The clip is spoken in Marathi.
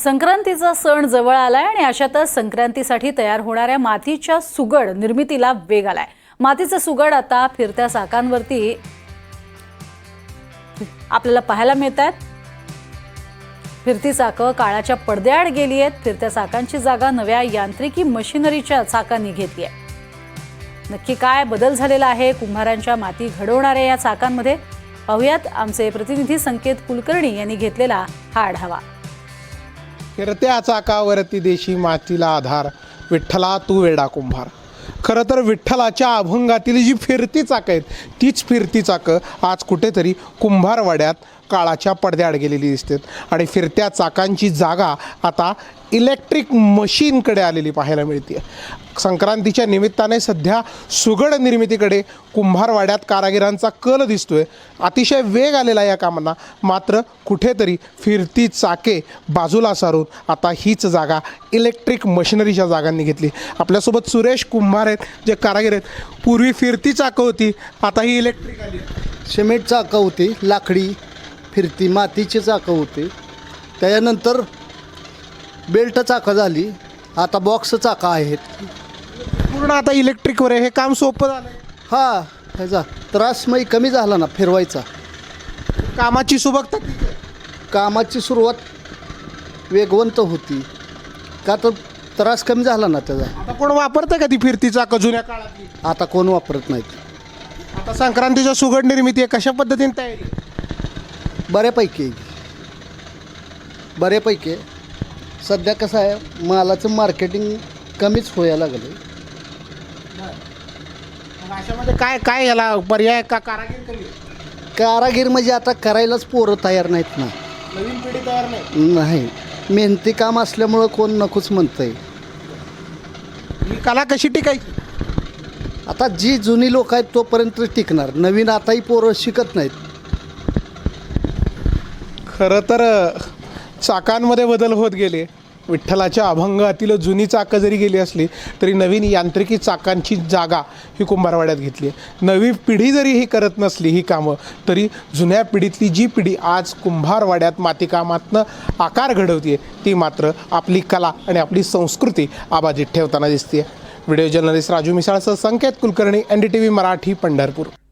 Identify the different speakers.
Speaker 1: संक्रांतीचा सण जवळ आलाय आणि अशातच संक्रांतीसाठी तयार होणाऱ्या मातीच्या सुगड निर्मितीला वेग आलाय। मातीचे सुगड आता फिरत्या चाकांवरती आपल्याला पाहायला मिळतात। फिरती चाकं काळाच्या पडद्याआड गेली आहेत। फिरत्या चाकांची जागा नव्या यांत्रिकी मशिनरीच्या चाकांनी घेतली आहे। नक्की काय बदल झालेला आहे कुंभारांच्या माती घडवणाऱ्या या चाकांमध्ये, पाहूयात आमचे प्रतिनिधी संकेत कुलकर्णी यांनी घेतलेला हा आढावा।
Speaker 2: फिरत्या चाकावरती देशी मातीला आधार, विठ्ठला तू वेडा कुंभार। खरं तर विठ्ठलाच्या अभंगातील जी फिरती चाकं आहेत तीच फिरती चाकं आज कुठेतरी कुंभारवाड्यात काळाच्या पडद्याआड गेलेली दिसतात आणि फिरत्या चाकांची जागा आता इलेक्ट्रिक मशीनकडे आलेली पाहायला मिळते। संक्रांतीच्या निमित्ताने सध्या सुगड निर्मितीकडे कुंभारवाड्यात कारागिरांचा कल दिसतोय। अतिशय वेग आलेला या कामांना, मात्र कुठेतरी फिरती चाके बाजूला सारून आता हीच जागा इलेक्ट्रिक मशिनरीच्या जागांनी घेतली। आपल्यासोबत सुरेश कुंभार आहेत, जे कारागीर आहेत। पूर्वी फिरती चाकं होती, आता ही इलेक्ट्रिक आली।
Speaker 3: सिमेंट चाकं होती, लाकडी फिरती मातीची चाकं होती, त्याच्यानंतर बेल्ट चाकं झाली, आता बॉक्स चाकं आहेत।
Speaker 2: पूर्ण आता इलेक्ट्रिकवर आहे, हे काम सोपं झालं।
Speaker 3: हा, ह्याचा त्रासमयी कमी झाला ना फिरवायचा।
Speaker 2: कामाची सुबकता
Speaker 3: कामाची सुरुवात वेगवंत होती का, तर त्रास कमी झाला ना त्याचा।
Speaker 2: आता कोण वापरतं का ती फिरती चाकं जुन्या काळातली?
Speaker 3: आता कोण वापरत नाहीत।
Speaker 2: आता संक्रांतीच्या सुगड निर्मिती आहे, कशा पद्धतीने तयारी?
Speaker 3: बऱ्यापैकी सध्या कसं आहे, मालाचं मार्केटिंग कमीच व्हायला लागलं।
Speaker 2: अशामध्ये काय काय याला पर्याय का कारागीर कमी?
Speaker 3: कारागीर म्हणजे आता करायलाच पोरं तयार नाहीत ना,
Speaker 2: नवीन पिढी तयार नाही।
Speaker 3: नाही मेहनती काम असल्यामुळं कोण नकोच म्हणतंय।
Speaker 2: ही कला कशी टिकायची?
Speaker 3: आता जी जुनी लोक आहेत तोपर्यंत टिकणार, नवीन आताही पोरं शिकत नाहीत।
Speaker 2: खरं तर चाकांमध्ये बदल होत गेले। विठ्ठलाच्या अभंगातील जुनी चाकं जरी गेली असली तरी नवीन यांत्रिकी चाकांची जागा ही कुंभारवाड्यात घेतली आहे। नवी पिढी जरी ही करत नसली ही कामं, तरी जुन्या पिढीतली जी पिढी आज कुंभारवाड्यात मातीकामातनं आकार घडवते ती मात्र आपली कला आणि आपली संस्कृती आबाजीत ठेवताना दिसते। व्हिडिओ जर्नलिस्ट राजू मिसाळसह संकेत कुलकर्णी, NDTV मराठी, पंढरपूर।